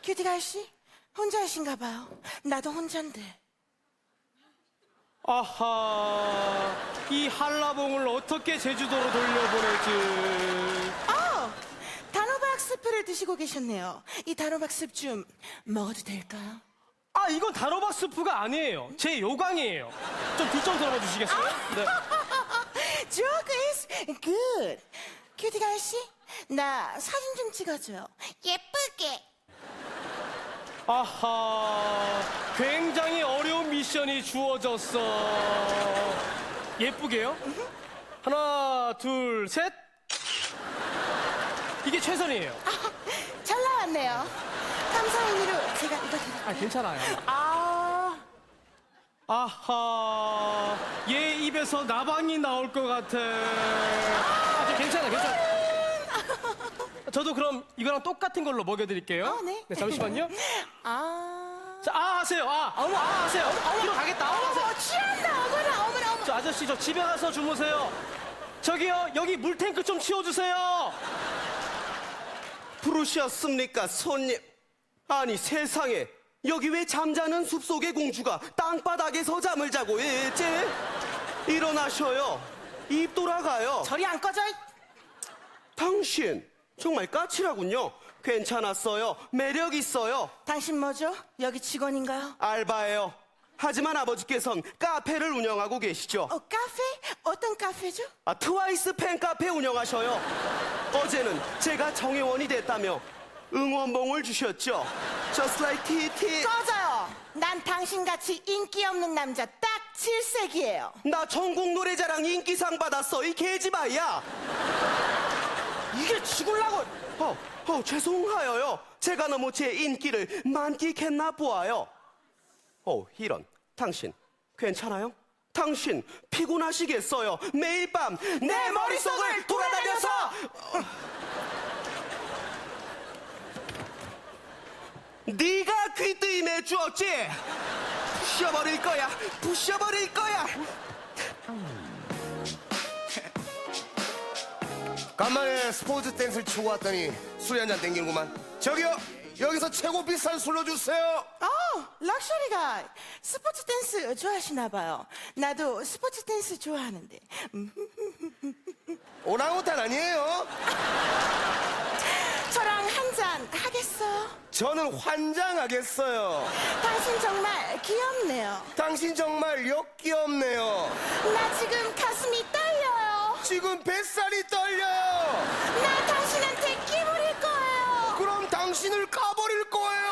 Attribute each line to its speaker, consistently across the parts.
Speaker 1: 큐티가 씨 혼자이신가 봐요. 나도 혼잔데.
Speaker 2: 아하, 이 한라봉을 어떻게 제주도로 돌려보내지?
Speaker 1: 단호박 스프를 드시고 계셨네요. 이 단호박 스프 좀 먹어도 될까요?
Speaker 2: 아, 이건 단호박 스프가 아니에요. 제 요강이에요. 좀 귀 좀 들어봐 주시겠어요? 네.
Speaker 1: Joke is good. 큐티가 씨, 나 사진 좀 찍어줘요. 예쁘게.
Speaker 2: 아하, 굉장히 어려운 미션이 주어졌어. 예쁘게요? 하나, 둘, 셋. 이게 최선이에요.
Speaker 1: 잘 나왔네요. 감사 의미로 제가 이거 드릴게요.
Speaker 2: 아, 괜찮아요.
Speaker 1: 아,
Speaker 2: 아하, 얘 입에서 나방이 나올 것 같아. 아, 괜찮아, 괜찮아. 저도 그럼 이거랑 똑같은 걸로 먹여드릴게요.
Speaker 1: 네.
Speaker 2: 잠시만요.
Speaker 1: 아.
Speaker 2: 자, 하세요. 어머, 하세요. 뒤로 가겠다. 하세요.
Speaker 1: 취한다. 어머나.
Speaker 2: 저 아저씨, 저 집에 가서 주무세요. 저기요, 여기 물탱크 좀 치워주세요.
Speaker 3: 부르셨습니까, 손님? 아니, 세상에. 여기 왜 잠자는 숲속의 공주가 땅바닥에서 잠을 자고 있지? 일어나셔요. 입 돌아가요.
Speaker 1: 저리 안 꺼져.
Speaker 3: 당신, 정말 까칠하군요. 괜찮았어요. 매력 있어요.
Speaker 1: 당신 뭐죠? 여기 직원인가요?
Speaker 3: 알바예요. 하지만 아버지께선 카페를 운영하고 계시죠.
Speaker 1: 카페? 어떤 카페죠?
Speaker 3: 트와이스 팬카페 운영하셔요. 어제는 제가 정회원이 됐다며 응원봉을 주셨죠. Just like TT.
Speaker 1: 꺼져요. 난 당신같이 인기 없는 남자 딱 질색이에요.
Speaker 3: 나 전국 노래자랑 인기상 받았어, 이 계집아이야.
Speaker 2: 이게 죽을라고.
Speaker 3: 죄송하여요. 제가 너무 제 인기를 만끽했나 보아요. 이런. 당신 괜찮아요? 당신 피곤하시겠어요. 매일 밤 내 머릿속을 돌아다녀서. 네가 귀뜨임해 주었지. 부셔버릴 거야.
Speaker 4: 간만에 스포츠 댄스를 치고 왔더니 술이 한잔 땡기는구만. 저기요, 여기서 최고 비싼 술로 주세요.
Speaker 1: 럭셔리가 스포츠 댄스 좋아하시나 봐요. 나도 스포츠 댄스 좋아하는데.
Speaker 4: 오랑우탄 아니에요?
Speaker 1: 저랑 한 잔 하겠어요?
Speaker 4: 저는 환장하겠어요.
Speaker 1: 당신 정말 귀엽네요.
Speaker 4: 당신 정말 역귀엽네요.
Speaker 1: 나 지금 가슴이 떨려요.
Speaker 4: 지금 뱃살이 떨려요.
Speaker 1: 나 당신한테 끼부릴 거예요.
Speaker 4: 그럼 당신을 까버릴 거예요.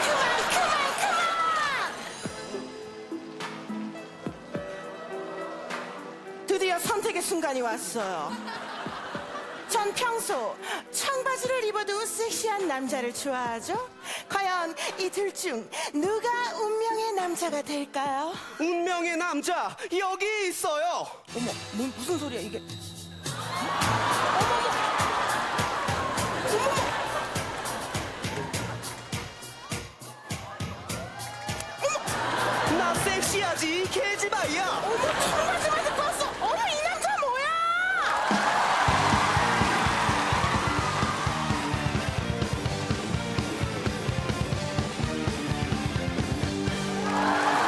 Speaker 1: 드디어 선택의 순간이 왔어요. 전 평소 청바지를 입어도 섹시한 남자를 좋아하죠? 과연 이 둘 중 누가 운명의 남자가 될까요?
Speaker 3: 운명의 남자 여기 있어요.
Speaker 1: 어머, 무슨 소리야 이게?
Speaker 3: 나 섹시하지, 이 계집아이야.
Speaker 1: 어머, 청바지만